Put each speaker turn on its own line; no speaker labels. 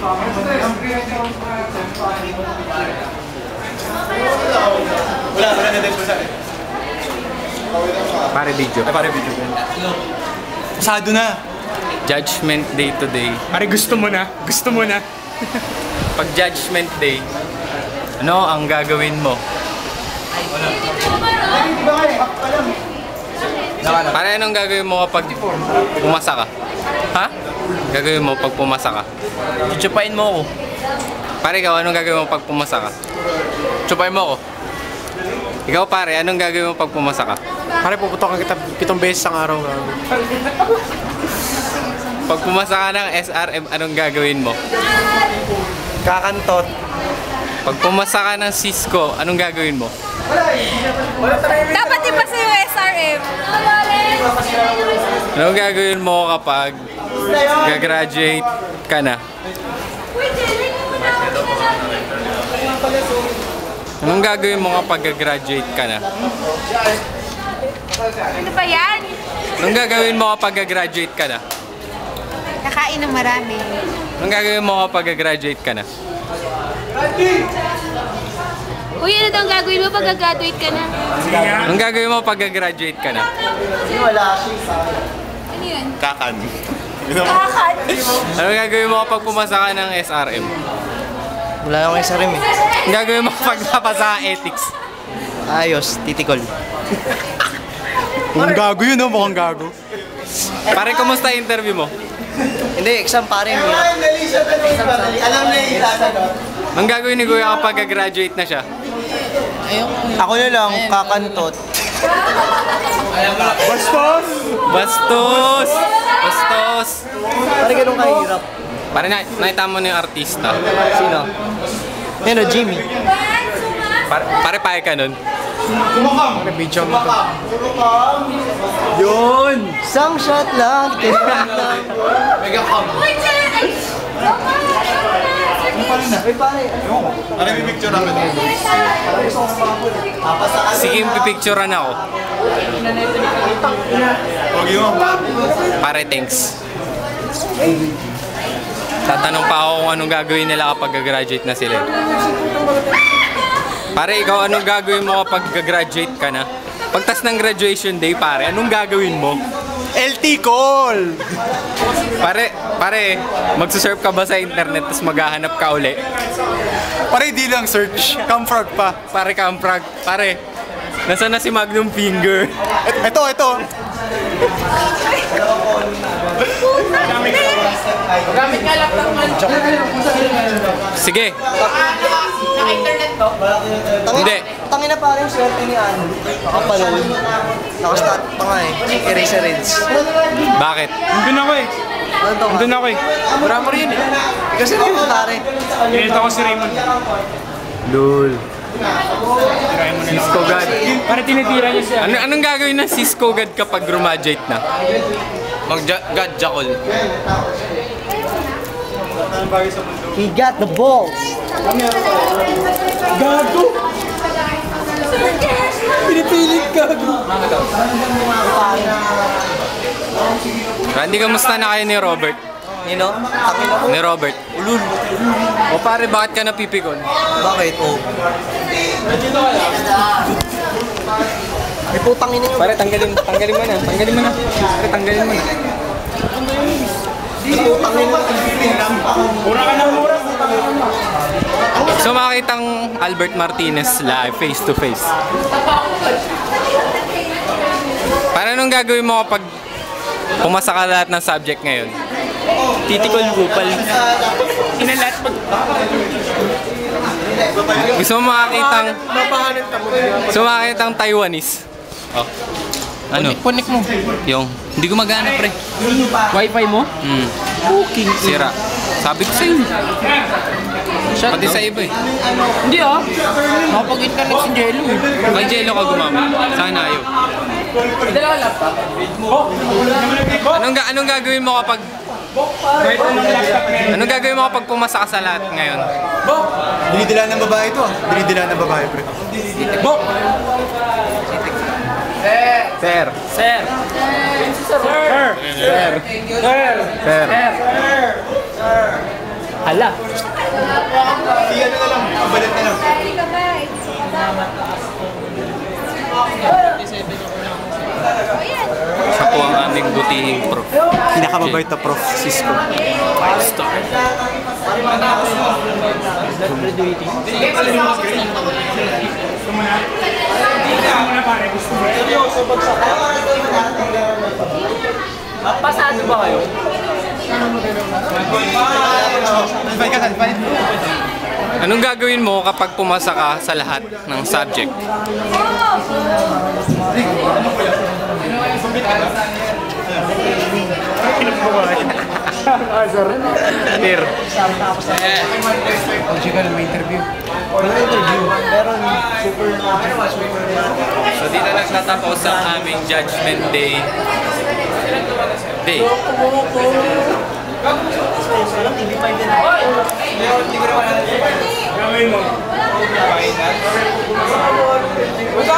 Wala na din po sa
Pare video.
Pare video. Pasado na.
Judgment Day today.
Pare gusto mo na. Gusto mo na.
Pag Judgment Day, ano ang gagawin mo? Pare, anong gagawin mo kapag pumasa ka? Ha? Gagawin mo pag pumasa ka? Chuchupain mo ako. Pare, ikaw, anong gagawin mo pag pumasa ka? Chupain mo ako. Ikaw pare, anong gagawin mo pag pumasa ka?
Pare, puputokan kita 7 beses ang araw.
Pag pumasa ka ng SRM, anong gagawin mo?
Kakantot.
Pag pumasa ka ng Cisco, anong gagawin mo?
Dapat ipasa yung SRM.
Anong gagawin mo kapag gagraduate ka na? Anong gagawin mo kapag gagraduate ka na?
Ano ba yan?
Anong gagawin mo kapag gagraduate ka na?
Kakain ng marami.
Anong gagawin mo kapag graduate ka na?
Uy, ano daw ang gagawin mo pag graduate ka na?
Anong gagawin mo pag graduate ka na?
Ano yun?
Kakan.
Kakan!
Anong gagawin mo kapag pumasa ka ng SRM?
Wala akong SRM eh.
Anong gagawin mo kapag napasa ka ethics?
Ayos, titikol.
Mukhang gago yun, no? Mukhang gago.
Pare, kumusta yung interview mo?
Hindi, exam pare.
Alam na yung isasagot.
Anong gagawin ni Kuya kapag graduate na siya?
Ako na lang, kakantot.
Bastos!
Bastos! Bastos!
Pare ganun kahirap.
Pare, nakita mo na yung artista.
Sino? Yan o, Jimmy.
Pare, pahe ka nun.
Pare, video mo to.
Yun!
Isang shot lang, tinang lang.
Uy, ay!
Uy pare,
Ano yung picture namin?
Sige, pipicturean ako.
Huwag yun.
Pare, thanks. Tatanong pa ako kung anong gagawin nila kapag graduate na sila. Pare, ikaw anong gagawin mo kapag graduate ka na? Pagtas ng graduation day, pare, anong gagawin mo?
LT call!
Pare, magsusurf ka ba sa internet tapos maghahanap ka uli?
Pare, di lang search. Camfrog pa.
Pare, kamprag. Pare, nasaan na si Magnum Finger?
Ito.
Sige.
Naka-internet to?
Hindi.
Tangin na pare yung swerte ni Ano. Nakapanood. Nakastat pa nga eh. Eraser Reds.
Bakit?
Nandun ako eh.
Ano to?
Nandun ako eh.
Grammar yun eh. Kasi naman pare.
Ganito ako si Raymond.
Lul. Cisco God.
Pare, tinitira niya siya.
Anong gagawin ng Cisco God kapag graduate na? Mag-God Jackal.
He got the balls.
Gago! Pinipilit gago.
Randy, kamusta na kayo ni Robert?
You know? Tangin ako.
Ni Robert? Ulul. O pare, bakit ka napipikon?
Bakit? Oh. May putang ina yun.
Pare, tanggalin mo na. Tanggalin mo na. Pare, tanggalin mo na.
Putang ina.
Mura ka na mura.
So makakitang Albert Martinez live, face to face. Para anong gagawin mo kapag pumasa ka lahat ng subject ngayon? Titikol gupal.
Inalat pag...
Gusto mo makakitang Taiwanese? Oh. Ano?
Connect mo.
Yung, hindi gumagana pre.
Wi-Fi mo?
Cooking. Sira. Sabi ko sa'yo. Pati sa iba eh.
Hindi ah. Nakapag-internet si Jello eh.
May jello ka gumamit. Sana ayaw. Anong gagawin mo kapag pumasa ka sa lahat ngayon?
Dinidila ng babae ito ah. Dinidila ng babae, pre.
Sir.
Hala.
Si ano na lang, kabalat na lang.
Siya po ang aming butihing prof.
Pinakamabait na Prof. Cisco.
5 star.
Pasado ba kayo?
Salpay ka, salpay.
Anong gagawin mo kapag pumasa ka sa lahat ng subject? Tir. So dito nagtatapos ang aming judgment day.
Gawin mo.